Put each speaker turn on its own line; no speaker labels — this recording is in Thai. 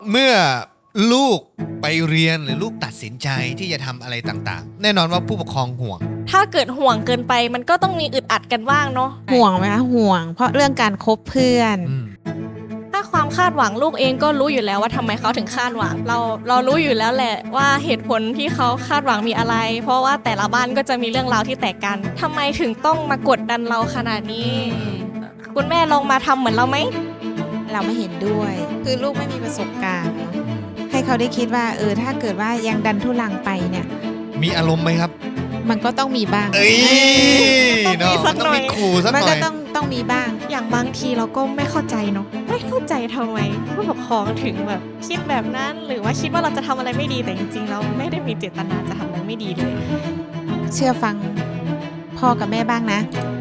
เมื่อลูกไปเรียนหรือลูกตัดสินใจที่จะทำอะไรต่างๆแน่นอนว่าผู้ปกครองห่วง
ถ้าเกิดห่วงเกินไปมันก็ต้องมีอึดอัดกันบ้างเนาะ
ห่วงไหมคะห่วงเพราะเรื่องการคบเพื่อน
ถ้าความคาดหวังลูกเองก็รู้อยู่แล้วว่าทำไมเขาถึงคาดหวังเรารู้อยู่แล้วแหละว่าเหตุผลที่เขาคาดหวังมีอะไรเพราะว่าแต่ละบ้านก็จะมีเรื่องราวที่แตกกันทำไมถึงต้องมากดดันเราขนาดนี้คุณแม่ลองมาทำเหมือนเราไหม
เราไม่เห็นด้วยคือลูกไม่มีประสบการณ์เนาะให้เขาได้คิดว่าถ้าเกิดว่ายังดันทุลังไปเนี่ย
มีอารมณ์ไหมครับ
มันก็ต้องมีบ้าง
เนาะต้องมีขู่สักหน่อย
มันก็ต้องมีบ้าง
อย่างบางทีเราก็ไม่เข้าใจเนาะไม่เข้าใจทำไมผู้ปกครองถึงแบบคิดแบบนั้นหรือว่าคิดว่าเราจะทำอะไรไม่ดีแต่จริงๆเราไม่ได้มีเจตนาจะทำอะไรไม่ดีเลย
เชื่อฟังพ่อกับแม่บ้างนะ